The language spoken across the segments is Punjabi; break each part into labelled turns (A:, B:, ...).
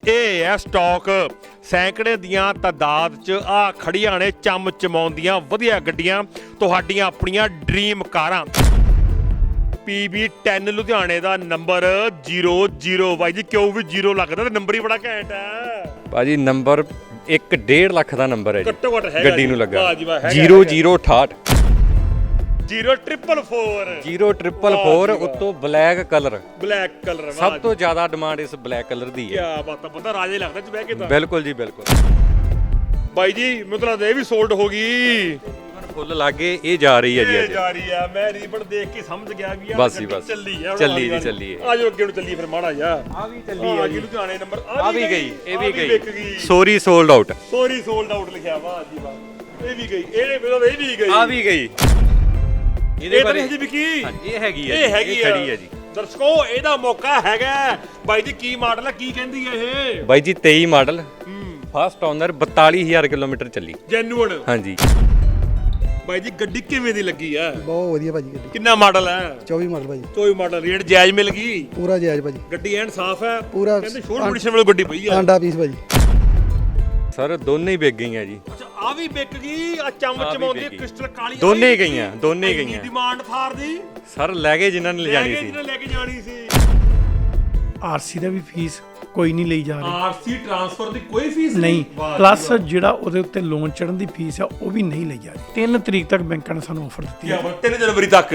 A: ਇਹ ਹੈ ਸਟਾਕ ਸੈਂਕੜੇ ਦੀਆਂ ਤਾਦਾਦ 'ਚ ਆ ਖੜੀਆਂ ਨੇ ਚਮ ਚਮਾਉਂਦੀਆਂ ਵਧੀਆ ਗੱਡੀਆਂ ਤੁਹਾਡੀਆਂ ਆਪਣੀਆਂ ਡ੍ਰੀਮ ਕਾਰਾਂ। PB10 ਲੁਧਿਆਣੇ ਦਾ ਨੰਬਰ 00 ਬਾਈ ਜੀ ਕਿਉਂ ਵੀ 0 ਲੱਗਦਾ ਤੇ ਨੰਬਰ ਹੀ ਬੜਾ ਘੈਂਟ ਹੈ
B: ਭਾਜੀ। ਨੰਬਰ 1.5 ਲੱਖ ਦਾ ਨੰਬਰ ਹੈ ਜੀ,
A: ਘੱਟੋ ਘੱਟ ਹੈਗਾ
B: ਗੱਡੀ ਨੂੰ ਲੱਗਾ।
A: 0068
B: 0444 ਉੱਤੋਂ ਬਲੈਕ ਕਲਰ
A: ਸਭ
B: ਤੋਂ ਜ਼ਿਆਦਾ ਡਿਮਾਂਡ ਇਸ ਬਲੈਕ ਕਲਰ ਦੀ ਹੈ।
A: ਕੀ ਬਾਤ ਆ, ਬੰਦਾ ਰਾਜੇ ਲੱਗਦਾ ਚ ਬਹਿ ਕੇ ਤਾਂ।
B: ਬਿਲਕੁਲ ਜੀ ਬਿਲਕੁਲ
A: ਬਾਈ ਜੀ ਮਤਲਬ ਇਹ ਵੀ ਸੋਲਡ ਹੋ ਗਈ,
B: ਫੁੱਲ ਲਾਗੇ ਇਹ ਜਾ ਰਹੀ ਹੈ ਜੀ ਅੱਜ।
A: ਜਾ ਰਹੀ ਆ, ਮੈਂ ਰੀਬਨ ਦੇਖ ਕੇ ਸਮਝ ਗਿਆ ਵੀ
B: ਬਸ ਜੀ ਬਸ
A: ਚੱਲੀ ਆ,
B: ਚੱਲੀ ਜੀ ਚੱਲੀ ਹੈ।
A: ਆਜੋ ਅੱਗੇ ਨੂੰ ਚੱਲੀਏ ਫਿਰ ਮਾੜਾ ਜਾ।
B: ਆ ਵੀ ਚੱਲੀ ਹੈ ਜੀ
A: ਲੁਧਿਆਣੇ ਨੰਬਰ
B: ਆ ਵੀ ਗਈ, ਇਹ ਵੀ
A: ਵਿਕ
B: ਗਈ। Sorry sold out,
A: sorry sold out ਲਿਖਿਆ, ਵਾਹ ਜੀ ਵਾਹ। ਇਹ ਵੀ ਗਈ, ਇਹ ਵੀ ਗਈ,
B: ਆ ਵੀ ਗਈ।
A: ਇਹਦੇ ਬਾਰੇ ਹਜੇ ਵਿਕੀ
B: ਇਹ ਹੈਗੀ ਹੈ,
A: ਇਹ ਹੈਗੀ
B: ਖੜੀ ਹੈ ਜੀ।
A: ਦਰਸ਼ਕੋ ਇਹਦਾ ਮੌਕਾ ਹੈਗਾ। ਬਾਈ ਜੀ ਕੀ ਮਾਡਲ ਹੈ, ਕੀ ਕਹਿੰਦੀ ਹੈ ਇਹ?
B: ਬਾਈ ਜੀ 23 ਮਾਡਲ, ਫਸਟ ਓਨਰ, 42000 ਕਿਲੋਮੀਟਰ ਚੱਲੀ।
A: ਜੈਨੂਅਨ
B: ਹਾਂਜੀ
A: ਬਾਈ ਜੀ ਗੱਡੀ ਕਿਵੇਂ ਦੀ ਲੱਗੀ ਆ?
C: ਬਹੁਤ ਵਧੀਆ ਭਾਜੀ ਗੱਡੀ।
A: ਕਿੰਨਾ ਮਾਡਲ ਹੈ?
C: 24 ਮਾਡਲ ਭਾਜੀ।
A: 24 ਮਾਡਲ, ਰੇਟ ਜਾਇਜ਼ ਮਿਲ ਗਈ?
C: ਪੂਰਾ ਜਾਇਜ਼ ਭਾਜੀ।
A: ਗੱਡੀ ਐਨ ਸਾਫ਼ ਹੈ
C: ਪੂਰਾ।
A: ਕਹਿੰਦੇ ਸ਼ੋਰ ਕੰਡੀਸ਼ਨ ਵਾਲੀ ਗੱਡੀ ਪਈ ਆ।
C: ਆਂਡਾ ਪੀਸ ਭਾਜੀ।
B: ਸਰ ਦੋਨੇ ਹੀ ਵਿਕ ਗਈਆਂ ਜੀ।
A: ਅੱਛਾ ਆ ਵੀ ਵਿਕ ਗਈ, ਆ ਚਮ ਚਮਾਉਂਦੀ ਕ੍ਰਿਸਟਲ ਕਾਲੀ
B: ਦੋਨੇ ਹੀ ਗਈਆਂ, ਦੋਨੇ ਹੀ ਗਈਆਂ।
A: ਡਿਮਾਂਡ ਥਾਰ ਦੀ
B: ਸਰ ਲੈ ਗਏ ਜਿਨ੍ਹਾਂ ਨੇ ਲਿਜਾਣੀ ਸੀ।
A: ਜਿਹਨੇ ਲੈ ਕੇ ਜਾਣੀ ਸੀ।
D: ਆਰਸੀ ਦਾ ਵੀ ਫੀਸ ਕੋਈ ਨਹੀਂ ਲਈ ਜਾ ਰਹੀ।
A: ਆਰਸੀ ਟ੍ਰਾਂਸਫਰ ਦੀ ਕੋਈ ਫੀਸ
D: ਨਹੀਂ, ਪਲੱਸ ਜਿਹੜਾ ਉਹਦੇ ਉੱਤੇ ਲੋਨ ਚੜਨ ਦੀ ਫੀਸ ਆ ਉਹ ਵੀ ਨਹੀਂ ਲਈ ਜਾ ਰਹੀ। 3 ਤਰੀਕ ਤੱਕ ਬੈਂਕਾਂ ਨੇ ਸਾਨੂੰ ਆਫਰ ਦਿੱਤੀ ਹੈ।
A: 3 ਜਨਵਰੀ ਤੱਕ।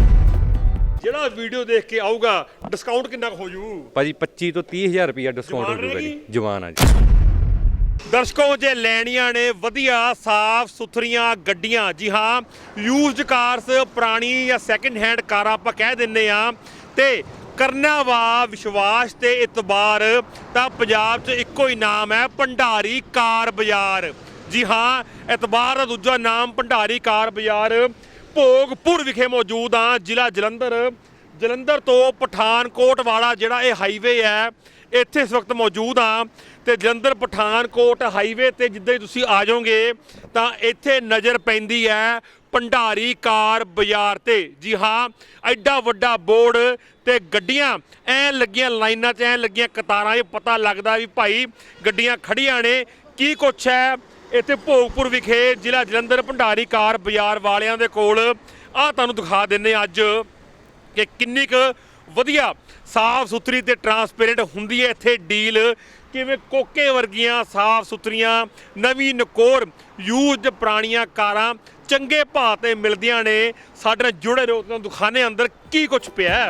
A: ਜਿਹੜਾ ਵੀਡੀਓ ਦੇਖ ਕੇ ਆਊਗਾ ਡਿਸਕਾਊਂਟ ਕਿੰਨਾ ਹੋ ਜੂ?
B: ਭਾਜੀ 25 ਤੋਂ 30000 ਰੁਪਇਆ ਡਿਸਕਾਊਂਟ ਹੋ ਜੂਗਾ ਜੀ। ਜਵਾਨ ਆ ਜੀ।
A: ਦਰਸ਼ਕੋ ਜੇ ਲੈਣੀਆਂ ਨੇ ਵਧੀਆ ਸਾਫ਼ ਸੁਥਰੀਆਂ ਗੱਡੀਆਂ, ਜੀ ਹਾਂ ਯੂਜ਼ਡ ਕਾਰਸ, ਪੁਰਾਣੀ ਜਾਂ ਸੈਕਿੰਡ ਹੈਂਡ ਕਾਰਾਂ ਆਪਾਂ ਕਹਿ ਦਿੰਨੇ ਆ, ਤੇ ਕਰਨਾ ਵਾ ਵਿਸ਼ਵਾਸ ਤੇ ਇਤਬਾਰ, ਤਾਂ ਪੰਜਾਬ 'ਚ ਇੱਕੋ ਹੀ ਨਾਮ ਹੈ ਭੰਡਾਰੀ ਕਾਰ ਬਾਜ਼ਾਰ। ਜੀ ਹਾਂ ਇਤਬਾਰ ਦਾ ਦੂਜਾ ਨਾਮ ਭੰਡਾਰੀ ਕਾਰ ਬਾਜ਼ਾਰ। ਭੋਗਪੁਰ ਵਿਖੇ ਮੌਜੂਦ ਆ, ਜ਼ਿਲ੍ਹਾ ਜਲੰਧਰ। ਜਲੰਧਰ ਤੋਂ ਪਠਾਨਕੋਟ ਵਾਲਾ ਜਿਹੜਾ ਇਹ ਹਾਈਵੇ ਹੈ, ਇੱਥੇ ਇਸ ਵਕਤ ਮੌਜੂਦ ਆ। ਤੇ ਜਲੰਧਰ ਪਠਾਨਕੋਟ ਹਾਈਵੇ ਤੇ ਜਿੱਦਾਂ ਹੀ ਤੁਸੀਂ ਆ ਜਾਓਗੇ ਤਾਂ ਇੱਥੇ ਨਜ਼ਰ ਪੈਂਦੀ ਹੈ ਭੰਡਾਰੀ ਕਾਰ ਬਾਜ਼ਾਰ ਤੇ। ਜੀ ਹਾਂ ਐਡਾ ਵੱਡਾ ਬੋਰਡ ਤੇ ਗੱਡੀਆਂ ਐ ਲੱਗੀਆਂ ਲਾਈਨਾਂ 'ਚ, ਐ ਲੱਗੀਆਂ ਕਤਾਰਾਂ 'ਚ, ਪਤਾ ਲੱਗਦਾ ਵੀ ਭਾਈ ਗੱਡੀਆਂ ਖੜੀਆਂ ਨੇ। ਕੀ ਕੁਛ ਹੈ ਇੱਥੇ ਭੋਗਪੁਰ ਵਿਖੇ ਜ਼ਿਲ੍ਹਾ ਜਲੰਧਰ ਭੰਡਾਰੀ ਕਾਰ ਬਾਜ਼ਾਰ ਵਾਲਿਆਂ ਦੇ ਕੋਲ, ਆਹ ਤੁਹਾਨੂੰ ਦਿਖਾ ਦਿੰਨੇ ਅੱਜ ਕਿ ਕਿੰਨੀ ਕੁ ਵਧੀਆ ਸਾਫ਼ ਸੁਥਰੀ ਤੇ ਟਰਾਂਸਪੇਰੈਂਟ ਹੁੰਦੀ ਹੈ ਇੱਥੇ ਡੀਲ। ਕਿਵੇਂ ਕੋਕੇ ਵਰਗੀਆਂ ਸਾਫ਼ ਸੁਥਰੀਆਂ ਨਵੀਂ ਨਕੋਰ ਯੂਜ਼ਡ ਪੁਰਾਣੀਆਂ ਕਾਰਾਂ ਚੰਗੇ ਭਾਅ ਤੇ ਮਿਲਦੀਆਂ ਨੇ। ਸਾਡੇ ਨਾਲ ਜੁੜੇ ਰਹੋ, ਤੁਹਾਨੂੰ ਦਿਖਾਣੇ ਅੰਦਰ ਕੀ ਕੁਝ ਪਿਆ।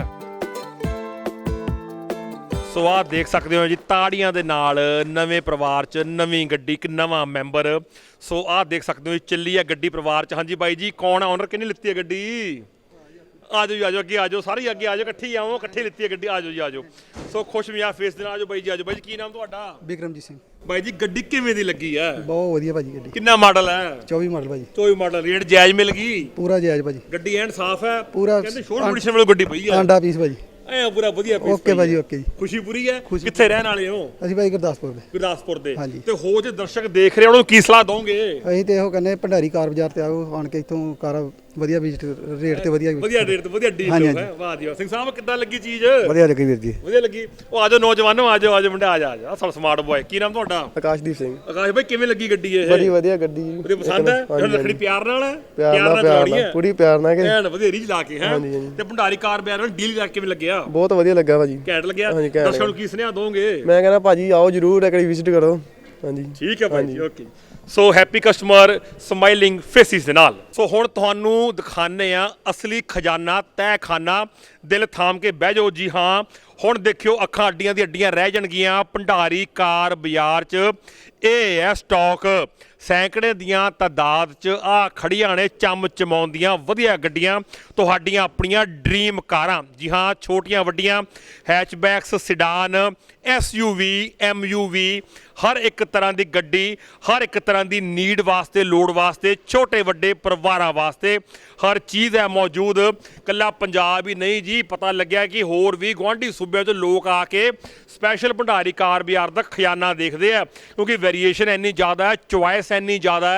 A: ਸੋ ਆਹ ਦੇਖ ਸਕਦੇ ਹੋ ਜੀ ਤਾੜੀਆਂ ਦੇ ਨਾਲ ਨਵੇਂ ਪਰਿਵਾਰ 'ਚ ਨਵੀਂ ਗੱਡੀ, ਇੱਕ ਨਵਾਂ ਮੈਂਬਰ। ਸੋ ਆਹ ਦੇਖ ਸਕਦੇ ਹੋ ਚੱਲੀ ਹੈ ਗੱਡੀ ਪਰਿਵਾਰ 'ਚ। ਹਾਂਜੀ ਬਾਈ ਜੀ ਕੌਣ ਆ ਓਨਰ, ਕਿਹਨੇ ਲਿੱਤੀ ਹੈ ਗੱਡੀ? ਆਜੋ ਜੀ ਆਜੋ, ਅੱਗੇ ਆਜੋ, ਸਾਰੇ ਅੱਗੇ ਆਜੋ, ਇਕੱਠੇ ਹੀ ਆਵੋ, ਇਕੱਠੇ ਲਿੱਤੀ ਹੈ ਗੱਡੀ। ਆਜੋ ਜੀ ਆਜੋ। ਸੋ ਖੁਸ਼ ਮਿਆ ਫੇਸ ਦੇ ਨਾਲ ਆਜੋ ਬਾਈ ਜੀ, ਆਜੋ ਬਾਈ ਜੀ। ਕੀ ਨਾਮ ਤੁਹਾਡਾ?
C: ਬਿਕਰਮਜੀਤ ਸਿੰਘ।
A: ਬਾਈ ਜੀ ਗੱਡੀ ਕਿਵੇਂ ਦੀ ਲੱਗੀ ਆ?
C: ਬਹੁਤ ਵਧੀਆ ਭਾਜੀ ਗੱਡੀ।
A: ਕਿੰਨਾ ਮਾਡਲ ਹੈ?
C: 24 ਮਾਡਲ ਭਾਜੀ।
A: 24 ਮਾਡਲ, ਰੇਟ ਜਾਇਜ਼ ਮਿਲ ਗਈ?
C: ਪੂਰਾ ਜਾਇਜ਼ ਭਾਜੀ।
A: ਗੱਡੀ ਐਨ ਸਾਫ਼ ਹੈ
C: ਪੂਰਾ।
A: ਕਹਿੰਦੇ ਸ਼ੋਰ ਕੰਡੀਸ਼ਨ ਵਾਲੀ ਗੱਡੀ ਪਈ ਆ।
C: ਆਂਡਾ ਪੀਸ ਭਾਜੀ।
A: ਐ ਪੂਰਾ ਵਧੀਆ ਪੀਸ।
C: ਓਕੇ ਭਾਜੀ ਓਕੇ ਜੀ।
A: ਖੁਸ਼ੀ ਪੂਰੀ ਹੈ। ਕਿੱਥੇ ਰਹਿਣ ਵਾਲੇ ਹੋ?
C: ਅਸੀਂ ਭਾਈ ਗੁਰਦਾਸਪੁਰ ਦੇ।
A: ਗੁਰਦਾਸਪੁਰ ਦੇ।
C: ਹਾਂਜੀ।
A: ਤੇ ਹੋ ਜੇ ਦਰਸ਼ਕ ਦੇਖ ਰਹੇ ਉਹਨਾਂ ਨੂੰ ਕੀ ਸਲਾਹ ਦੋਗੇ?
C: ਅਸੀਂ ਤੇ ਇਹੋ ਕਹਿੰਦੇ ਭੰਡਾਰੀ ਕਾਰ ਬਾਜ਼ਾਰ ਤੇ ਆਓ, ਆਣ ਕੇ ਇੱਥੋਂ ਕਾਰਾਂ ਵਧੀਆ ਵਿਜ਼ਿਟ, ਰੇਟ ਤੇ ਵਧੀਆ
A: ਰੇਟ ਤੇ ਵਧੀਆ ਡੀਲ
C: ਹਾਂਜੀ,
A: ਹੈ। ਵਾਹ ਜੀ ਵਾਹ। ਸਿੰਘ ਸਾਹਿਬ ਕਿੱਦਾਂ ਲੱਗੀ ਚੀਜ਼?
C: ਵਧੀਆ ਲੱਗੀ ਵੀਰ ਜੀ।
A: ਵਧੀਆ ਲੱਗੀ। ਉਹ ਆਜੋ ਨੌਜਵਾਨੋ, ਆਜੋ ਆਜੋ ਮੁੰਡੇ, ਆ ਜਾ ਸਭ ਸਮਾਰਟ ਬॉय। ਕੀ ਨਾਮ ਤੁਹਾਡਾ?
C: ਆਕਾਸ਼ਦੀਪ ਸਿੰਘ।
A: ਆਕਾਸ਼ ਭਾਈ ਕਿਵੇਂ ਲੱਗੀ ਗੱਡੀ ਇਹ?
C: ਬੜੀ ਵਧੀਆ ਗੱਡੀ।
A: ਵਧੀਆ ਪਸੰਦ ਹੈ? ਰੱਖੜੀ ਪਿਆਰ ਨਾਲ ਹੈ?
C: ਪਿਆਰ ਨਾਲ ਪੂਰੀ ਪਿਆਰ ਨਾਲ।
A: ਐਨ ਵਧੀਆ ਰੀਝ ਲਾ ਕੇ ਹੈ। ਤੇ ਭੰਡਾਰੀ ਕਾਰ ਬਾਜ਼ਾਰ ਨਾਲ ਡੀਲ ਕਰਕੇ ਕਿਵੇਂ ਲੱਗਿਆ?
C: ਬਹੁਤ ਵਧੀਆ ਲੱਗਾ ਭਾਜੀ।
A: ਘੈਂਟ ਲੱਗਿਆ। ਦਰਸ਼ਕਾਂ ਨੂੰ ਕੀ ਸੁਨੇਹਾ ਦੋਗੇ?
C: ਮੈਂ ਕਹਿੰਦਾ ਭਾਜੀ ਆਓ ਜਰੂਰ ਇੱਕ ਵਾਰੀ ਵਿਜ਼ਿਟ ਕਰੋ। ਹਾਂਜੀ
A: ਠੀਕ ਹੈ ਭਾਈ ਜੀ, okay. So happy customer smiling faces ਦੇ ਨਾਲ। ਸੋ ਹੁਣ ਤੁਹਾਨੂੰ ਦਿਖਾਣੇ ਆ ਅਸਲੀ ਖਜ਼ਾਨਾ, ਤਹਿਖਾਨਾ। ਦਿਲ ਥਾਮ ਕੇ ਬਹਿ ਜਾਓ। ਜੀ ਹਾਂ ਹੁਣ ਦੇਖਿਓ, ਅੱਖਾਂ ਅੱਡੀਆਂ ਦੀ ਅੱਡੀਆਂ ਰਹਿ ਜਾਣਗੀਆਂ ਭੰਡਾਰੀ ਕਾਰ ਬਾਜ਼ਾਰ 'ਚ। ਇਹ ਹੈ ਸਟਾਕ ਸੈਂਕੜੇ ਦੀਆਂ ਤਾਦਾਦ ਚ ਆ ਖੜੀਆਂ ਨੇ ਚਮ ਚਮਾਉਂਦੀਆਂ ਵਧੀਆ ਗੱਡੀਆਂ ਤੁਹਾਡੀਆਂ ਆਪਣੀਆਂ ਡ੍ਰੀਮ ਕਾਰਾਂ। ਜੀ ਹਾਂ ਛੋਟੀਆਂ ਵੱਡੀਆਂ ਹੈਚਬੈਕਸ, ਸਿਡਾਨ, SUV, MUV, ਹਰ ਇੱਕ ਤਰ੍ਹਾਂ ਦੀ ਗੱਡੀ ਹਰ ਇੱਕ ਤਰ੍ਹਾਂ ਦੀ ਨੀਡ ਵਾਸਤੇ, ਲੋੜ ਵਾਸਤੇ, ਛੋਟੇ ਵੱਡੇ ਪਰਿਵਾਰਾਂ ਵਾਸਤੇ ਹਰ ਚੀਜ਼ ਹੈ ਮੌਜੂਦ। ਕੱਲਾ ਪੰਜਾਬ ਹੀ ਨਹੀਂ ਜੀ, ਪਤਾ ਲੱਗਿਆ ਕਿ ਹੋਰ ਵੀ ਗੁਆਂਢੀ ਸੂਬਿਆਂ 'ਚ ਲੋਕ ਆ ਕੇ ਸਪੈਸ਼ਲ ਭੰਡਾਰੀ ਕਾਰ ਬਾਜ਼ਾਰ ਦਾ ਖਜ਼ਾਨਾ ਦੇਖਦੇ ਆ, ਕਿਉਂਕਿ ਵੇਰੀਏਸ਼ਨ ਇੰਨੀ ਜ਼ਿਆਦਾ ਹੈ, ਚੁਆਇਸ ਇੰਨੀ ਜ਼ਿਆਦਾ ਹੈ,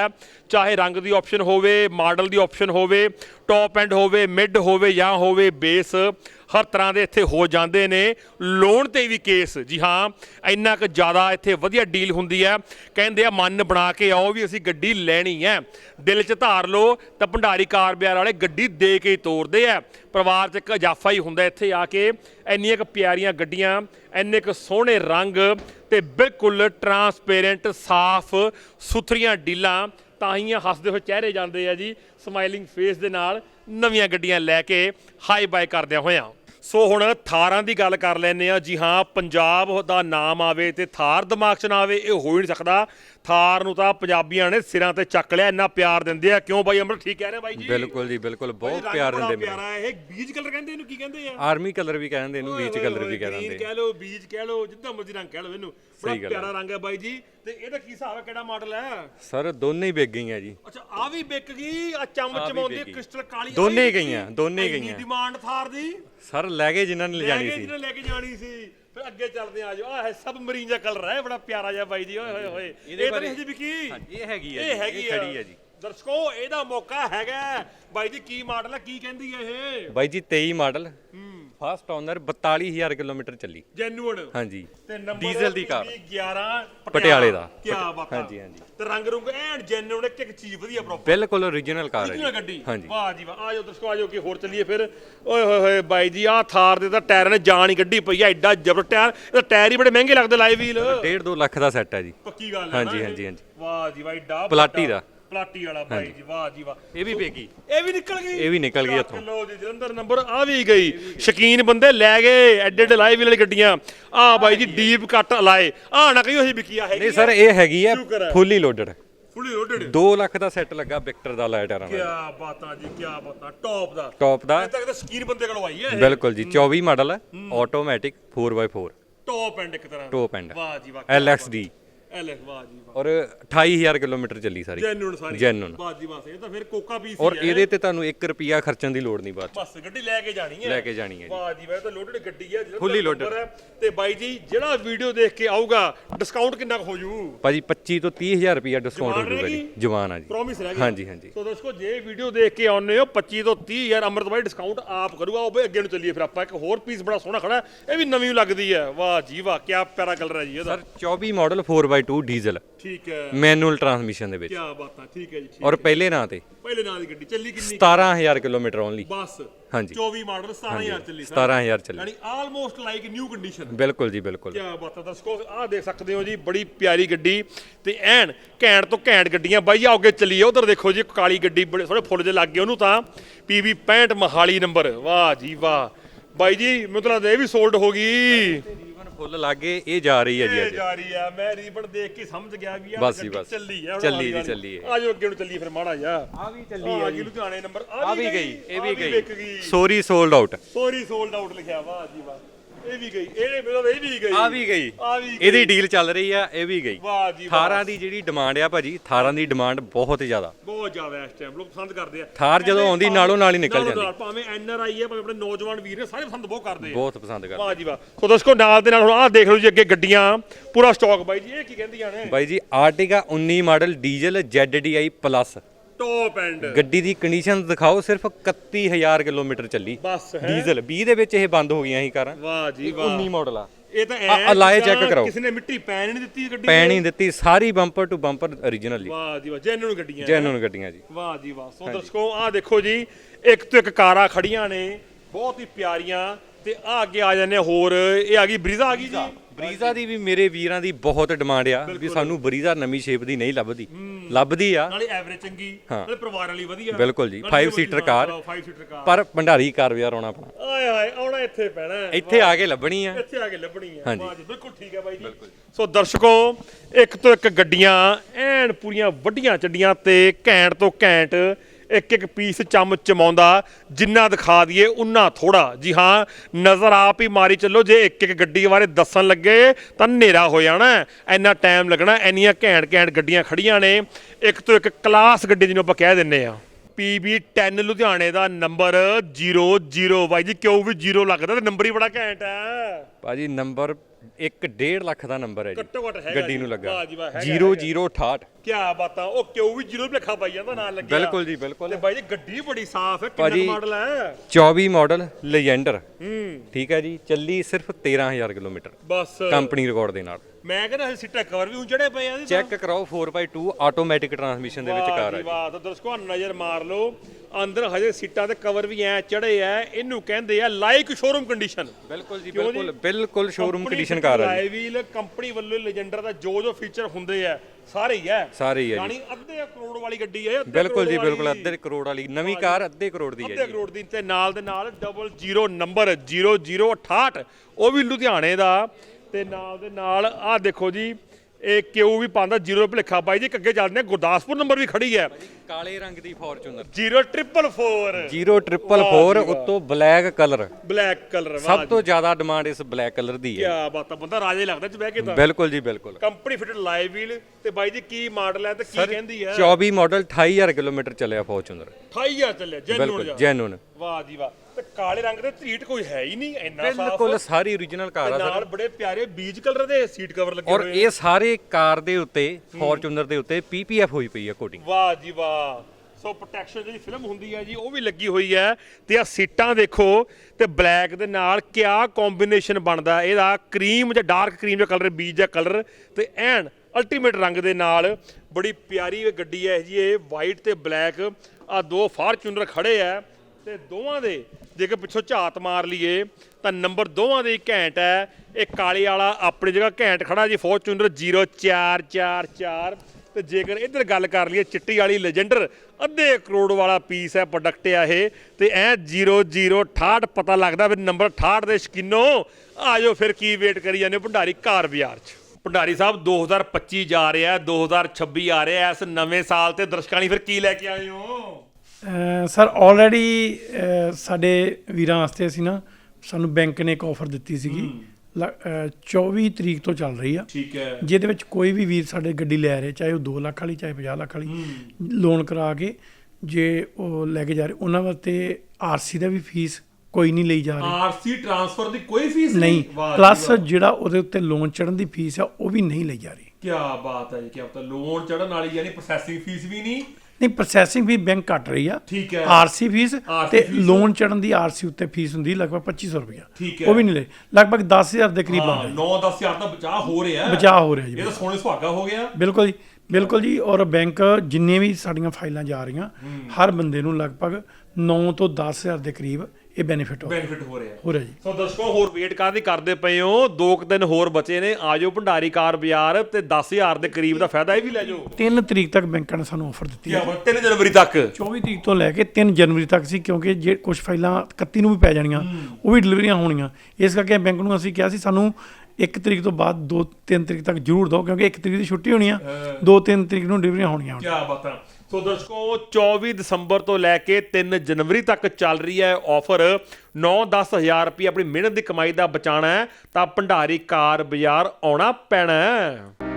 A: ਚਾਹੇ ਰੰਗ ਦੀ ਆਪਸ਼ਨ ਹੋਵੇ, ਮਾਡਲ ਦੀ ਆਪਸ਼ਨ ਹੋਵੇ, ਟੌਪ ਐਂਡ ਹੋਵੇ, ਮਿਡ ਹੋਵੇ ਜਾਂ ਹੋਵੇ ਬੇਸ, ਹਰ ਤਰ੍ਹਾਂ ਦੇ ਇੱਥੇ ਹੋ ਜਾਂਦੇ ਨੇ। ਲੋਨ ਤੇ ਵੀ ਕੇਸ, ਜੀ ਹਾਂ, ਇੰਨਾ ਕੁ ਜ਼ਿਆਦਾ ਇੱਥੇ ਵਧੀਆ ਡੀਲ ਹੁੰਦੀ ਹੈ। ਕਹਿੰਦੇ ਆ ਮਨ ਬਣਾ ਕੇ ਆਓ ਵੀ ਅਸੀਂ ਗੱਡੀ ਲੈਣੀ ਹੈ, ਦਿਲ 'ਚ ਧਾਰ ਲਓ ਤਾਂ ਭੰਡਾਰੀ ਕਾਰ ਬਾਜ਼ਾਰ ਵਾਲੇ ਗੱਡੀ ਦੇ ਕੇ ਹੀ ਤੋਰਦੇ ਆ। ਪਰਿਵਾਰ 'ਚ ਇੱਕ ਇਜ਼ਾਫਾ ਹੀ ਹੁੰਦਾ ਇੱਥੇ ਆ ਕੇ। ਇੰਨੀਆਂ ਕੁ ਪਿਆਰੀਆਂ ਗੱਡੀਆਂ, ਇੰਨੇ ਕੁ ਸੋਹਣੇ ਰੰਗ ਤੇ ਬਿਲਕੁਲ ਟਰਾਂਸਪੇਰੈਂਟ ਸਾਫ਼ ਸੁਥਰੀਆਂ ਡੀਲਾਂ, ਤਾਂ ਹੀ ਹੱਸਦੇ ਹੋਏ ਚਿਹਰੇ ਜਾਂਦੇ ਆ ਜੀ ਸਮਾਈਲਿੰਗ ਫੇਸ ਦੇ ਨਾਲ ਨਵੀਆਂ ਗੱਡੀਆਂ ਲੈ ਕੇ ਹਾਈ ਬਾਈ ਕਰਦਿਆਂ ਹੋਇਆਂ। ਸੋ ਹੁਣ ਥਾਰਾਂ ਦੀ ਗੱਲ ਕਰ ਲੈਂਦੇ ਆ। ਜੀ ਹਾਂ, ਪੰਜਾਬ ਦਾ ਨਾਮ ਆਵੇ ਤੇ ਥਾਰ ਦਿਮਾਗ 'ਚ ਨਾ ਆਵੇ, ਇਹ ਹੋ ਹੀ ਨਹੀਂ ਸਕਦਾ। ਥਾਰ ਨੂੰ ਤਾਂ ਪੰਜਾਬੀਆਂ ਨੇ ਸਿਰਾਂ ਤੇ ਚੱਕ ਲਿਆ, ਇੰਨਾ ਪਿਆਰ ਦਿੰਦੇ ਆ। ਕਿਉਂ ਬਾਈ ਅਮਰ, ਠੀਕ ਕਹਿ ਰਹੇ ਬਾਈ ਜੀ?
B: ਬਿਲਕੁਲ ਜੀ, ਬਿਲਕੁਲ, ਬਹੁਤ ਪਿਆਰ ਦਿੰਦੇ ਮੈਨੂੰ।
A: ਪਿਆਰਾ ਇਹ ਬੀਜ ਕਲਰ ਕਹਿੰਦੇ ਇਹਨੂੰ, ਕੀ ਕਹਿੰਦੇ ਆ?
B: ਆਰਮੀ ਕਲਰ ਵੀ ਕਹਿੰਦੇ ਇਹਨੂੰ, ਬੀਚ ਕਲਰ ਵੀ ਕਹਿੰਦੇ।
A: ਕਹਿ ਲਓ, ਬੀਜ ਕਹਿ ਲਓ, ਜਿੱਦਾਂ ਮਰਜ਼ੀ ਰੰਗ ਕਹਿ ਲਓ ਇਹਨੂੰ। ਬੜਾ ਪਿਆਰਾ ਰੰਗ ਹੈ ਬਾਈ ਜੀ। ਤੇ ਇਹਦਾ ਕੀ ਹਿਸਾਬ ਹੈ, ਕਿਹੜਾ ਮਾਡਲ ਹੈ?
B: ਸਰ ਦੋਨੇ ਹੀ ਵਿਕ ਗਈਆਂ ਜੀ।
A: ਅੱਛਾ, ਆ ਵੀ ਵਿਕ ਗਈ, ਆ ਚਮਚਮਾਉਂਦੀ ਕ੍ਰਿਸਟਲ ਕਾਲੀ,
B: ਦੋਨੇ ਗਈਆਂ, ਦੋਨੇ ਗਈਆਂ।
A: ਡਿਮਾਂਡ ਥਾਰ ਦੀ
B: ਸਰ ਲੈ ਕੇ ਜਿਨ੍ਹਾਂ ਨੇ ਲਿਜਾਣੀ ਸੀ,
A: ਲੈ ਕੇ ਜਾਣੀ ਸੀ। ਫਿਰ ਅੱਗੇ ਚੱਲਦੇ ਆ, ਆਹ ਹੈ ਸਬ ਮਰੀਨ ਜਿਹਾ ਕਲਰ ਹੈ, ਬੜਾ ਪਿਆਰਾ ਜਿਹਾ ਬਾਈ ਜੀ। ਓਏ ਹੋਏ ਹੋਏ, ਇਹ ਤਾਂ ਨਹੀਂ ਹਜੇ ਵਿਕੀ।
B: ਇਹ ਹੈਗੀ ਹੈ,
A: ਇਹ ਹੈਗੀ
B: ਇਹ ਖੜੀ ਹੈ ਜੀ।
A: ਦਰਸ਼ਕੋ, ਇਹਦਾ ਮੌਕਾ ਹੈਗਾ। ਬਾਈ ਜੀ ਕੀ ਮਾਡਲ ਹੈ, ਕੀ ਕਹਿੰਦੀ ਹੈ ਇਹ?
B: ਬਾਈ ਜੀ 23 ਮਾਡਲ, ਫਸਟ ਓਨਰ, 42000 ਕਿਲੋਮੀਟਰ ਚੱਲੀ।
A: ਜੈਨੂਅਨ,
B: ਹਾਂਜੀ,
A: ਤੇ ਨੰਬਰ
B: ਡੀਜ਼ਲ ਦੀ ਕਾਰ,
A: 11
B: ਪਟਿਆਲੇ ਦਾ।
A: ਕੀ ਬਾਤ ਹੈ।
B: ਹਾਂਜੀ ਹਾਂਜੀ,
A: ਤੇ ਰੰਗ ਰੁੰਗ ਐਨ ਜੈਨੂਅਨ, ਇੱਕ ਇੱਕ ਚੀਜ਼ ਵਧੀਆ ਪ੍ਰੋਪਰ,
B: ਬਿਲਕੁਲ ਓਰੀਜਨਲ ਕਾਰ ਹੈ
A: original ਗੱਡੀ।
B: ਹਾਂਜੀ,
A: ਵਾਹ ਜੀ ਵਾਹ। ਆਜੋ ਦਰਸ਼ਕੋ, ਆਜੋ ਕਿ ਹੋਰ ਚੱਲੀਏ ਫਿਰ। ਓਏ ਹੋਏ ਹੋਏ ਬਾਈ ਜੀ, ਆਹ ਥਾਰ ਦੇ ਤਾਂ ਟਾਇਰਾਂ ਨੇ ਜਾਨ ਹੀ ਕੱਢੀ ਪਈ ਆ। ਐਡਾ ਜ਼ਬਰ ਟਾਇਰ, ਇਹ ਟਾਇਰ ਹੀ ਬੜੇ ਮਹਿੰਗੇ ਲੱਗਦੇ, ਲਾਏ ਵੀਲ।
B: 1.5-2 ਲੱਖ ਦਾ ਸੈੱਟ ਹੈ ਜੀ।
A: ਪੱਕੀ ਗੱਲ ਹੈ।
B: ਹਾਂਜੀ ਹਾਂਜੀ ਹਾਂਜੀ,
A: ਵਾਹ ਜੀ ਵਾਹ, ਐਡਾ
B: ਪਲਾਟੀ ਦਾ,
A: ਪਲਾਟੀ ਵਾਲਾ ਬਾਈ ਜੀ, ਵਾਹ ਜੀ ਵਾਹ।
B: ਇਹ ਵੀ ਵੇਗੀ,
A: ਇਹ ਵੀ ਨਿਕਲ ਗਈ,
B: ਇਹ ਵੀ ਨਿਕਲ ਗਈ ਇੱਥੋਂ।
A: ਲੋ ਜੀ, ਜਲੰਧਰ ਨੰਬਰ ਆ ਵੀ ਗਈ। ਸ਼ਕੀਨ ਬੰਦੇ ਲੈ ਗਏ ਐਡੇ ਐਡੇ ਲਾਏ ਵੀਲ ਵਾਲੀ ਗੱਡੀਆਂ। ਆ ਬਾਈ ਜੀ ਡੀਪ ਕੱਟ ਲਾਏ, ਆ ਨਾ ਕਹੀਓ ਅਸੀਂ ਵਿਕੀਆ ਹੈਗੀ।
B: ਨਹੀਂ ਸਰ, ਇਹ ਹੈਗੀ ਹੈ ਫੁੱਲੀ ਲੋਡਡ,
A: ਫੁੱਲੀ ਲੋਡਡ।
B: 2 ਲੱਖ ਦਾ ਸੈੱਟ ਲੱਗਾ ਵਿਕਟਰ ਦਾ ਲਾਈਟਰਾਂ
A: ਕੀ
B: ਨਾਲ।
A: ਬਾਤਾਂ ਜੀ, ਕੀ ਬਾਤਾਂ, ਟੌਪ ਦਾ,
B: ਟੌਪ ਦਾ,
A: ਇਹ ਤਾਂ ਸ਼ਕੀਨ ਬੰਦੇ ਕੋਲ ਆਈ ਹੈ।
B: ਬਿਲਕੁਲ ਜੀ। 24 ਮਾਡਲ ਹੈ, ਆਟੋਮੈਟਿਕ 4x4
A: ਟੌਪ ਐਂਡ ਇੱਕ ਤਰ੍ਹਾਂ
B: ਟੌਪ ਐਂਡ,
A: ਵਾਹ ਜੀ ਵਾਹ।
B: LXD,
A: ਐਲਐਸ, ਵਾਹ ਜੀ ਵਾਹ।
B: ਔਰ 28000 ਕਿਲੋਮੀਟਰ ਚੱਲੀ ਸਾਰੀ,
A: ਜੈਨੂਨ ਸਾਰੀ,
B: ਜੈਨੂਨ।
A: ਵਾਹ ਜੀ ਵਾਹ। ਇਹ ਤਾਂ ਫਿਰ ਕੋਕਾ ਪੀਸ
B: ਔਰ ਇਹਦੇ ਤੇ ਤੁਹਾਨੂੰ 1 ਰੁਪਿਆ ਖਰਚਣ ਦੀ ਲੋੜ ਨਹੀਂ ਬਾਅਦ ਚ,
A: ਬਸ ਗੱਡੀ ਲੈ ਕੇ ਜਾਣੀ ਹੈ,
B: ਲੈ ਕੇ ਜਾਣੀ ਹੈ ਜੀ।
A: ਵਾਹ ਜੀ ਵਾਹ, ਇਹ ਤਾਂ ਲੋਡਡ ਗੱਡੀ ਹੈ,
B: Fully loaded
A: ਹੈ। ਤੇ ਬਾਈ ਜੀ, ਜਿਹੜਾ ਵੀਡੀਓ ਦੇਖ ਕੇ ਆਊਗਾ, ਡਿਸਕਾਊਂਟ ਕਿੰਨਾ ਕੁ ਹੋ ਜੂ?
B: ਭਾਜੀ 25 ਤੋਂ 30000 ਰੁਪਿਆ ਡਿਸਕਾਊਂਟ ਹੋ ਜੂਗਾ ਜੀ। ਜਵਾਨ ਆ ਜੀ,
A: ਪ੍ਰੋਮਿਸ ਰਹਿ ਗਿਆ।
B: ਹਾਂਜੀ ਹਾਂਜੀ।
A: ਸੋ ਦੋਸਤੋ, ਜੇ ਵੀਡੀਓ ਦੇਖ ਕੇ ਆਉਂਦੇ ਹੋ, 25 ਤੋਂ 30000 ਅੰਮ੍ਰਿਤ ਬਾਈ ਡਿਸਕਾਊਂਟ ਆਪ ਕਰੂਗਾ। ਉਹ ਬਈ ਅੱਗੇ ਨੂੰ ਚੱਲੀਏ ਫਿਰ ਆਪਾਂ। ਇੱਕ ਹੋਰ ਪੀਸ ਬੜਾ ਸੋਹਣਾ ਖੜਾ, ਇਹ ਵੀ ਨਵੀਂ ਲੱਗਦੀ ਹੈ। ਵਾਹ ਜੀ ਵਾਹ, ਕੀ ਪਿਆਰਾ ਕਲਰ ਹੈ ਜੀ ਇਹਦਾ।
B: ਸਰ 24 ਮਾਡਲ 4x2 ਡੀਜ਼ਲ,
A: ਠੀਕ ਹੈ,
B: ਮੈਨੂਅਲ ਟਰਾਂਸਮਿਸ਼ਨ ਦੇ ਵਿੱਚ,
A: ਕੀ ਬਾਤਾਂ, ਠੀਕ ਹੈ ਜੀ, ਠੀਕ।
B: ਔਰ ਪਹਿਲੇ ਨਾਂ ਤੇ
A: ਪਹਿਲੇ ਨਾਲ ਦੀ ਗੱਡੀ ਚੱਲੀ ਕਿੰਨੀ?
B: 17000 ਕਿਲੋਮੀਟਰ ਓਨਲੀ,
A: ਬਸ।
B: ਹਾਂਜੀ,
A: 24 ਮਾਡਲ 17000 ਚੱਲੀ,
B: 17000 ਚੱਲੀ,
A: ਯਾਨੀ ਆਲਮੋਸਟ ਲਾਈਕ ਨਿਊ ਕੰਡੀਸ਼ਨ।
B: ਬਿਲਕੁਲ ਜੀ, ਬਿਲਕੁਲ।
A: ਕੀ ਬਾਤ ਹੈ ਦਰਸ਼ਕੋ, ਆਹ ਦੇਖ ਸਕਦੇ ਹੋ ਜੀ, ਬੜੀ ਪਿਆਰੀ ਗੱਡੀ ਤੇ ਐਨ ਘੈਂਟ ਤੋਂ ਘੈਂਟ ਗੱਡੀਆਂ। ਬਾਈ ਆ ਅੱਗੇ ਚੱਲੀਏ, ਉਧਰ ਦੇਖੋ ਜੀ, ਕਾਲੀ ਗੱਡੀ, ਬੜੇ ਸੋਹਣੇ ਫੁੱਲ ਜੇ ਲੱਗ ਗਏ ਉਹਨੂੰ ਤਾਂ। PB 65 ਮਹਾਲੀ ਨੰਬਰ, ਵਾਹ ਜੀ ਵਾਹ। ਬਾਈ ਜੀ ਮੈਨੂੰ ਤਾਂ ਲੱਗਦਾ ਇਹ ਵੀ ਸੋਲਡ ਹੋ ਗਈ।
B: ਰੀਬਨ ਫੁੱਲ ਲੱਗੇ, ਇਹ ਜਾ ਰਹੀ ਹੈ ਜੀ
A: ਇਹ
B: ਅੱਜ।
A: ਜਾ ਰਹੀ ਆ, ਮੈਂ ਰੀਬਨ ਦੇਖ ਕੇ ਸਮਝ ਗਿਆ ਵੀ ਆ
B: ਬਸ ਜੀ, ਬਸ।
A: ਚੱਲੀ ਆ,
B: ਚੱਲੀ ਜੀ, ਚੱਲੀ ਹੈ।
A: ਆਜੋ ਅੱਗੇ ਨੂੰ ਚੱਲੀਏ ਫਿਰ ਮਾੜਾ ਜਿਹਾ।
B: ਆ ਵੀ ਚੱਲੀ
A: ਆ ਜੀ ਲੁਧਿਆਣੇ ਨੰਬਰ,
B: ਆ ਵੀ ਗਈ, ਇਹ ਵੀ
A: ਵਿਕ
B: ਗਈ। Sorry sold out,
A: sorry sold out ਲਿਖਿਆ, ਵਾਹ ਜੀ ਵਾਹ। ਇਹ ਵੀ ਗਈ, ਇਹ ਮੈਨੂੰ ਇਹ ਵੀ ਗਈ,
B: ਆ ਵੀ ਗਈ,
A: ਆ ਵੀ ਗਈ।
B: ਇਹਦੀ ਡੀਲ ਚੱਲ ਰਹੀ ਆ, ਇਹ ਵੀ ਗਈ।
A: ਵਾਹ ਜੀ ਵਾਹ।
B: ਥਾਰਾਂ ਦੀ ਜਿਹੜੀ ਡਿਮਾਂਡ ਆ ਭਾਜੀ, ਥਾਰਾਂ ਦੀ ਡਿਮਾਂਡ ਬਹੁਤ ਜ਼ਿਆਦਾ,
A: ਬਹੁਤ ਜ਼ਿਆਦਾ ਇਸ ਟਾਈਮ ਲੋਕ ਪਸੰਦ ਕਰਦੇ ਆ।
B: ਥਾਰ ਜਦੋਂ ਆਉਂਦੀ ਨਾਲੋਂ ਨਾਲ ਹੀ ਨਿਕਲ ਜਾਂਦੀ,
A: ਭਾਵੇਂ NRI ਹੈ, ਭਾਵੇਂ ਆਪਣੇ ਨੌਜਵਾਨ ਵੀਰ ਨੇ, ਸਾਰੇ ਪਸੰਦ ਬਹੁਤ ਕਰਦੇ ਆ।
B: ਬਹੁਤ ਪਸੰਦ ਕਰਦੇ।
A: ਵਾਹ ਜੀ ਵਾਹ। ਸੋ ਦੋਸਤੋ, ਨਾਲ ਦੇ ਨਾਲ ਹੁਣ ਆਹ ਦੇਖ ਲਓ ਜੀ, ਅੱਗੇ ਗੱਡੀਆਂ ਪੂਰਾ ਸਟਾਕ। ਬਾਈ ਜੀ ਇਹ ਕੀ ਕਹਿੰਦੀਆਂ ਨੇ?
B: ਬਾਈ ਜੀ ਆਰਟਿਗਾ 19 model diesel ZDI plus,
A: top end
B: ਗੱਡੀ ਦੀ ਕੰਡੀਸ਼ਨ ਦਿਖਾਓ। ਸਿਰਫ 31000 ਕਿਲੋਮੀਟਰ ਚੱਲੀ,
A: ਬਸ ਹੈ।
B: ਡੀਜ਼ਲ 20 ਦੇ ਵਿੱਚ ਇਹ ਬੰਦ ਹੋ ਗਈਆਂ ਸੀ ਕਾਰਾਂ।
A: ਵਾਹ ਜੀ ਵਾਹ।
B: 19 ਮਾਡਲ ਆ,
A: ਇਹ ਤਾਂ
B: ਲਾਏ check ਕਰਾਓ।
A: ਕਿਸੇ ਨੇ ਮਿੱਟੀ ਪੈਣ ਨਹੀਂ ਦਿੱਤੀ ਗੱਡੀ
B: ਪੈਣ ਹੀ ਦਿੱਤੀ, ਸਾਰੀ ਬੰਪਰ ਟੂ ਬੰਪਰ ਓਰੀਜਨਲ ਜੀ,
A: ਵਾਹ ਜੀ ਵਾਹ, ਜੈਨੂਨ ਗੱਡੀਆਂ,
B: ਜੈਨੂਨ ਗੱਡੀਆਂ ਜੀ।
A: ਵਾਹ ਜੀ ਵਾਹ। ਸੋ ਦਰਸ਼ਕੋ, ਆਹ ਦੇਖੋ ਜੀ, ਇੱਕ ਤੋਂ ਇੱਕ ਕਾਰਾਂ ਖੜੀਆਂ ਨੇ, ਬਹੁਤ ਹੀ ਪਿਆਰੀਆਂ। ਤੇ ਆ ਅੱਗੇ ਆ ਜਾਂਦੇ ਹੋਰ, ਇਹ ਆ ਗਈ ਬਰੀਜ਼ਾ ਆ ਗਈ ਜੀ।
B: ਬਰੀਜ਼ਾ ਦੀ ਵੀ ਮੇਰੇ ਵੀਰਾਂ ਦੀ ਬਹੁਤ ਡਿਮਾਂਡ ਆ ਵੀ ਸਾਨੂੰ ਬਰੀਜ਼ਾ ਨਵੀਂ ਸ਼ੇਪ ਦੀ ਨਹੀਂ ਲੱਭਦੀ ਆ,
A: ਨਾਲੇ ਐਵਰੇਜ ਚੰਗੀ, ਨਾਲੇ ਪਰਿਵਾਰ ਵਾਲੀ ਵਧੀਆ।
B: ਬਿਲਕੁਲ ਜੀ, 5 ਸੀਟਰ ਕਾਰ,
A: 5 ਸੀਟਰ ਕਾਰ।
B: ਪਰ ਭੰਡਾਰੀ ਕਾਰ ਬਾਜ਼ਾਰ ਆਉਣਾ ਆਪਣਾ,
A: ਆਏ ਹਾਏ, ਆਉਣਾ ਇੱਥੇ ਪੈਣਾ,
B: ਇੱਥੇ ਆ ਕੇ ਲੱਭਣੀ ਆ,
A: ਇੱਥੇ ਆ ਕੇ ਲੱਭਣੀ ਹੈ।
B: ਹਾਂਜੀ।
A: ਵਾਹ ਜੀ, ਬਿਲਕੁਲ ਠੀਕ ਹੈ ਬਾਈ ਜੀ। ਸੋ ਦਰਸ਼ਕੋ, ਇੱਕ ਤੋਂ ਇੱਕ ਗੱਡੀਆਂ ਐਨ ਪੂਰੀਆਂ ਵੱਡੀਆਂ ਚੱਡੀਆਂ ਤੇ ਘੈਂਟ ਤੋਂ ਘੈਂਟ, ਇੱਕ ਇੱਕ ਪੀਸ ਚਮ ਚਮਾਉਂਦਾ। ਜਿੰਨਾ ਦਿਖਾ ਦਈਏ ਉਨਾ ਥੋੜਾ। ਜੀ ਹਾਂ, ਨਜ਼ਰ ਆਪ ਹੀ ਮਾਰੀ ਚੱਲੋ, ਜੇ ਇੱਕ ਇੱਕ ਗੱਡੀ ਬਾਰੇ ਦੱਸਣ ਲੱਗੇ ਤਾਂ ਹਨੇਰਾ ਹੋ ਜਾਣਾ, ਇੰਨਾ ਟਾਈਮ ਲੱਗਣਾ। ਇੰਨੀਆਂ ਘੈਂਟ ਘੈਂਟ ਗੱਡੀਆਂ ਖੜੀਆਂ ਨੇ, ਇੱਕ ਤੋਂ ਇੱਕ ਕਲਾਸ ਗੱਡੀ ਜਿਹਨੂੰ ਆਪਾਂ ਕਹਿ ਦਿੰਨੇ ਆ। PB 10 ਲੁਧਿਆਣੇ ਦਾ ਨੰਬਰ 00। ਬਾਈ ਜੀ ਕਿਉਂ ਵੀ 0 ਲੱਗਦਾ, ਤੇ ਨੰਬਰ ਹੀ ਬੜਾ ਘੈਂਟ ਹੈ
B: ਭਾਜੀ। ਨੰਬਰ 1.5 ਲੱਖ ਦਾ ਨੰਬਰ ਹੈ
A: ਘੱਟੋ ਘੱਟ
B: ਜੀ
A: ਹੈਗਾ
B: ਗੱਡੀ
A: ਜੀ।
B: ਨੂੰ ਲੱਗਾ
A: ਵਾਹ ਜੀ ਵਾਹ, ਹੈਗਾ,
B: 0068।
A: ਕੀ ਬਾਤਾਂ, ਉਹ ਕਿਉਂ ਵੀ ਜ਼ੀਰੋ ਲਿਖਾ ਪਾਈ ਜਾਂਦਾ ਨਾਲ ਲੱਗਿਆ।
B: ਬਿਲਕੁਲ ਜੀ ਬਿਲਕੁਲ।
A: ਤੇ ਬਾਈ ਜੀ ਗੱਡੀ ਬੜੀ ਸਾਫ਼ ਹੈ,
B: ਭਾਜੀ,
A: ਕਿੰਨਾ ਮਾਡਲ ਹੈ?
B: 24 ਮਾਡਲ ਲੈਜੈਂਡਰ। ਠੀਕ ਹੈ ਜੀ, ਚੱਲੀ ਸਿਰਫ 13000 ਕਿਲੋਮੀਟਰ
A: ਬਸ
B: ਕੰਪਨੀ ਰਿਕਾਰਡ ਦੇ ਨਾਲ।
A: ਮੈਂ ਕਹਿੰਦਾ ਸੀਟਾਂ ਕਵਰ ਵੀ ਉਜੜੇ ਪਏ ਆ ਇਹਦੇ ਤਾਂ।
B: ਚੈੱਕ ਕਰਾਓ 4x2 ਆਟੋਮੈਟਿਕ ਟਰਾਂਸਮਿਸ਼ਨ ਦੇ ਵਿੱਚ ਕਾਰ
A: ਵਾਹ
B: ਹੈ
A: ਜੀ
B: ਜੀ।
A: ਵਾਹ, ਤਾਂ ਦਰਸ਼ਕੋ ਨਜ਼ਰ ਮਾਰ ਲਓ ਅੰਦਰ ਹਜੇ ਸੀਟਾਂ ਤੇ ਕਵਰ ਵੀ ਐ ਚੜੇ ਆ। ਇਹਨੂੰ ਕਹਿੰਦੇ ਆ ਲਾਈਕ ਸ਼ੋਰੂਮ ਕੰਡੀਸ਼ਨ।
B: ਬਿਲਕੁਲ ਜੀ
A: ਕਿਉਂ ਜੀ?
B: ਬਿਲਕੁਲ ਬਿਲਕੁਲ ਸ਼ੋਰੂਮ
A: ਕੰਪਨੀ
B: ਕੰਡੀਸ਼ਨ ਕਾਰ ਹੈ ਜੀ।
A: ਲਾਈਵੀਲ ਕੰਪਨੀ ਵੱਲੋਂ ਲੈਜੈਂਡਰ ਦਾ ਜੋ ਫੀਚਰ ਹੁੰਦੇ ਆ ਸਾਰੇ ਹੀ ਹੈ।
B: ਸਾਰੇ ਹੀ ਹੈ ਜੀ।
A: ਯਾਨੀ ਅੱਧੇ ਕਰੋੜ ਵਾਲੀ ਗੱਡੀ ਹੈ।
B: ਬਿਲਕੁਲ ਜੀ ਬਿਲਕੁਲ, ਅੱਧੇ ਕਰੋੜ ਵਾਲੀ ਨਵੀਂ ਕਾਰ ਅੱਧੇ ਕਰੋੜ ਦੀ ਹੈ
A: ਅੱਧੇ
B: ਜੀ।
A: ਕਰੋੜ ਦੀ। ਤੇ ਨਾਲ ਦੇ ਨਾਲ 00 ਨੰਬਰ 0068 ਉਹ ਵੀ ਲੁਧਿਆਣੇ ਦਾ। ਤੇ ਨਾਲ ਦੇ ਨਾਲ ਆਹ ਦੇਖੋ ਜੀ, ਇਹ ਕਿਉਂ ਵੀ ਪਾਉਂਦਾ 0 ਭੁਲੇਖਾ ਬਾਈ ਜੀ। ਅੱਗੇ ਚੱਲਦੇ ਆ, ਗੁਰਦਾਸਪੁਰ ਨੰਬਰ ਵੀ ਖੜੀ ਹੈ
B: ਕਾਲੇ ਰੰਗ ਦੀ ਫੋਰਚੂਨਰ
A: 0444
B: 0444 ਉੱਤੋਂ ਬਲੈਕ ਕਲਰ।
A: Black colour.
B: ਸਭ ਤੋਂ ਜ਼ਿਆਦਾ ਡਿਮਾਂਡ ਇਸ ਬਲੈਕ ਕਲਰ ਦੀ ਹੈ।
A: ਕੀ ਬਾਤ ਆ, ਬੰਦਾ ਰਾਜੇ ਲੱਗਦਾ ਚ ਬਹਿ ਕੇ ਤਾਂ।
B: ਬਿਲਕੁਲ ਜੀ ਬਿਲਕੁਲ।
A: Company fitted live wheel. ਤੇ ਬਾਈ ਜੀ ਕੀ ਮਾਡਲ ਹੈ ਤੇ ਕੀ ਕਹਿੰਦੀ ਹੈ?
B: 24 ਮਾਡਲ 28000 ਕਿਲੋਮੀਟਰ ਚੱਲਿਆ ਫੋਰਚੂਨਰ।
A: 28000 ਚੱਲਿਆ ਜੈਨੂਨ
B: ਬਿਲਕੁਲ
A: ਜਾ।
B: ਜੈਨੂਨ।
A: ਵਾਹ ਜੀ ਵਾਹ। ਤੇ ਕਾਲੇ ਰੰਗ ਦੇ ਧਰੀਟ ਕੋਈ ਹੈ ਹੀ ਨਹੀਂ, ਇੰਨਾ ਸਾਫ਼।
B: ਬਿਲਕੁਲ ਸਾਰੀ ਓਰੀਜਨਲ ਕਾਰ ਆ
A: ਨਾਲ
B: ਸਰ।
A: ਬੜੇ ਪਿਆਰੇ ਬੀਜ ਕਲਰ ਦੇ ਸੀਟ ਕਵਰ ਲੱਗੇ
B: ਔਰ
A: ਹੋਏ।
B: ਇਹ ਸਾਰੇ ਕਾਰ ਦੇ ਉੱਤੇ ਫੋਰਚੂਨਰ ਦੇ ਉੱਤੇ PPF ਹੋਈ ਪਈ ਹੈ ਕੋਟਿੰਗ।
A: ਵਾਹ ਜੀ ਵਾਹ। ਸੋ ਪ੍ਰੋਟੈਕਸ਼ਨ ਜਿਹੜੀ ਫਿਲਮ ਹੁੰਦੀ ਹੈ ਜੀ ਉਹ ਵੀ ਲੱਗੀ ਹੋਈ ਹੈ। ਤੇ ਆ ਸੀਟਾਂ ਦੇਖੋ, ਤੇ ਬਲੈਕ ਦੇ ਨਾਲ ਕਿਆ ਕੰਬੀਨੇਸ਼ਨ ਬਣਦਾ ਇਹਦਾ। ਕਰੀਮ ਜਾਂ ਡਾਰਕ ਕਰੀਮ ਜਿਹਾ ਕਲਰ, ਬੀਜ ਦਾ ਕਲਰ, ਤੇ ਐਨ ਅਲਟੀਮੇਟ ਰੰਗ ਦੇ ਨਾਲ ਬੜੀ ਪਿਆਰੀ ਗੱਡੀ ਹੈ ਜੀ ਇਹ। ਵਾਈਟ ਤੇ ਬਲੈਕ ਆ ਦੋ ਫਾਰਚੂਨਰ ਖੜੇ ਆ। ਤੇ ਦੋਵਾਂ ਦੇ ਜੇਕਰ ਪਿੱਛੋਂ ਝਾਤ ਮਾਰ ਲਈਏ ਤਾਂ ਨੰਬਰ ਦੋਵਾਂ ਦੇ ਹੀ ਘੈਂਟ ਹੈ। ਇਹ ਕਾਲੇ ਵਾਲਾ ਆਪਣੀ ਜਗ੍ਹਾ ਘੈਂਟ ਖੜਾ ਜੀ, ਫੋਰਚੂਨਰ 0444। ਤੇ ਜੇਕਰ ਇੱਧਰ ਗੱਲ ਕਰ ਲਈਏ ਚਿੱਟੀ ਵਾਲੀ ਲੈਜੈਂਡਰ, ਅੱਧੇ ਕਰੋੜ ਵਾਲਾ ਪੀਸ ਹੈ ਪ੍ਰੋਡਕਟ ਆ ਇਹ। ਤੇ ਐ 0068 ਪਤਾ ਲੱਗਦਾ ਵੀ ਨੰਬਰ 68 ਦੇ ਸ਼ਕੀਨੋ ਆ ਜਾਓ। ਫਿਰ ਕੀ ਵੇਟ ਕਰੀ ਜਾਂਦੇ ਭੰਡਾਰੀ ਕਾਰ ਬਾਜ਼ਾਰ 'ਚ। ਭੰਡਾਰੀ ਸਾਹਿਬ 2025 ਜਾ ਰਿਹਾ, 2026 ਆ ਰਿਹਾ। ਇਸ ਨਵੇਂ ਸਾਲ ਤੇ ਦਰਸ਼ਕਾਂ ਲਈ ਫਿਰ ਕੀ ਲੈ ਕੇ ਆਏ ਹੋ?
D: ਸਰ ਆਲਰੇਡੀ ਸਾਡੇ ਵੀਰਾਂ ਵਾਸਤੇ ਅਸੀਂ ਨਾ, ਸਾਨੂੰ ਬੈਂਕ ਨੇ ਇੱਕ ਆਫਰ ਦਿੱਤੀ ਸੀਗੀ 24 ਤਰੀਕ ਤੋਂ ਚੱਲ ਰਹੀ ਆ।
A: ਠੀਕ ਹੈ।
D: ਜਿਹਦੇ ਵਿੱਚ ਕੋਈ ਵੀ ਵੀਰ ਸਾਡੇ ਗੱਡੀ ਲੈ ਰਹੇ, ਚਾਹੇ ਉਹ 2 ਲੱਖ ਵਾਲੀ ਚਾਹੇ 50 ਲੱਖ ਵਾਲੀ, ਲੋਨ ਕਰਾ ਕੇ ਜੇ ਉਹ ਲੈ ਕੇ ਜਾ ਰਹੇ, ਉਹਨਾਂ ਵਾਸਤੇ RC ਦਾ ਵੀ ਫੀਸ ਕੋਈ ਨਹੀਂ ਲਈ ਜਾ ਰਹੀ।
A: RC ਟ੍ਰਾਂਸਫਰ ਦੀ ਕੋਈ ਫੀਸ
D: ਨਹੀਂ, ਪਲੱਸ ਜਿਹੜਾ ਉਹਦੇ ਉੱਤੇ ਲੋਨ ਚੜਨ ਦੀ ਫੀਸ ਆ ਉਹ ਵੀ ਨਹੀਂ ਲਈ ਜਾ ਰਹੀ।
A: ਕੀ ਬਾਤ ਹੈ ਜੀ, ਕੀ ਪਤਾ ਲੋਨ ਚੜਨ ਵਾਲੀ ਯਾਨੀ ਪ੍ਰੋਸੈਸਿੰਗ ਫੀਸ ਵੀ ਨਹੀਂ।
D: ਨਹੀਂ, ਪ੍ਰੋਸੈਸਿੰਗ ਫੀਸ ਬੈਂਕ ਕੱਟ ਰਹੀ ਆ।
A: ਠੀਕ ਹੈ।
D: RC ਫੀਸ ਤੇ ਲੋਨ ਚੜਨ ਦੀ RC ਉੱਤੇ ਫੀਸ ਹੁੰਦੀ ਲਗਭਗ 2500 ਰੁਪਇਆ।
A: ਠੀਕ ਹੈ।
D: ਉਹ ਵੀ ਨਹੀਂ ਲੈ, ਲਗਭਗ 10000 ਦੇ ਕਰੀਬ ਆਉਂਦਾ।
A: 9-10 ਹਜ਼ਾਰ ਦਾ ਬਚਾਅ ਹੋ ਰਿਹਾ ਹੈ।
D: ਬਚਾਅ ਹੋ ਰਿਹਾ ਜੀ।
A: ਇਹ ਤਾਂ ਸੋਨੇ ਸੁਹਾਗਾ ਹੋ ਗਿਆ।
D: ਬਿਲਕੁਲ ਜੀ ਬਿਲਕੁਲ ਜੀ। ਔਰ ਬੈਂਕ ਜਿੰਨੇ ਵੀ ਸਾਡੀਆਂ ਫਾਈਲਾਂ ਜਾ ਰਹੀਆਂ, ਹਰ ਬੰਦੇ ਨੂੰ ਲਗਭਗ 9 ਤੋਂ 10000 ਦੇ ਕਰੀਬ ਇਹ ਬੈਨੀਫਿਟ ਹੋ ਰਿਹਾ ਜੀ।
A: ਸੋ ਦਰਸ਼ਕੋ ਹੋਰ ਵੇਟ ਕਾਹਦੀ ਕਰਦੇ ਪਏ ਹੋ? 2 ਦਿਨ ਹੋਰ ਬਚੇ ਨੇ। ਆਜੋ ਭੰਡਾਰੀ ਕਾਰ ਬਾਜ਼ਾਰ ਤੇ 10000 ਦੇ ਕਰੀਬ ਦਾ ਫਾਇਦਾ ਇਹ ਵੀ ਲੈ ਜਾਓ।
D: 3 ਤਰੀਕ ਤੱਕ ਬੈਂਕਾਂ ਨੇ ਸਾਨੂੰ ਆਫਰ ਦਿੱਤੀ ਹੈ।
A: 3 ਜਨਵਰੀ ਤੱਕ।
D: 24 ਤਰੀਕ ਤੋਂ ਲੈ ਕੇ 3 ਜਨਵਰੀ ਤੱਕ ਸੀ, ਕਿਉਂਕਿ ਜੇ ਕੁਝ ਫਾਈਲਾਂ 31 ਨੂੰ ਵੀ ਪੈ ਜਾਣੀਆਂ, ਉਹ ਵੀ ਡਿਲੀਵਰੀਆਂ ਹੋਣੀਆਂ। ਇਸ ਕਰਕੇ ਬੈਂਕ ਨੂੰ ਅਸੀਂ ਕਿਹਾ ਸੀ ਸਾਨੂੰ 1 ਤਰੀਕ ਤੋਂ ਬਾਅਦ 2-3 ਤਰੀਕ ਤੱਕ ਜ਼ਰੂਰ ਦਿਓ, ਕਿਉਂਕਿ 1 ਤਰੀਕ ਦੀ ਛੁੱਟੀ ਹੋਣੀ ਆ, 2-3 ਤਰੀਕ ਨੂੰ ਡਿਲੀਵਰੀਆਂ ਹੋਣੀਆਂ।
A: ਕੀ ਬਾਤਾਂ। ਸੋ ਦਰਸ਼ਕੋ 24 ਦਸੰਬਰ ਤੋਂ ਲੈ ਕੇ 3 ਜਨਵਰੀ ਤੱਕ ਚੱਲ ਰਹੀ ਹੈ ਆਫਰ। 9-10 ਹਜ਼ਾਰ ਰੁਪਏ ਆਪਣੀ ਮਿਹਨਤ ਦੀ ਕਮਾਈ ਦਾ ਬਚਾਉਣਾ ਹੈ ਤਾਂ ਭੰਡਾਰੀ ਕਾਰ ਬਾਜ਼ਾਰ ਆਉਣਾ ਪੈਣਾ ਹੈ।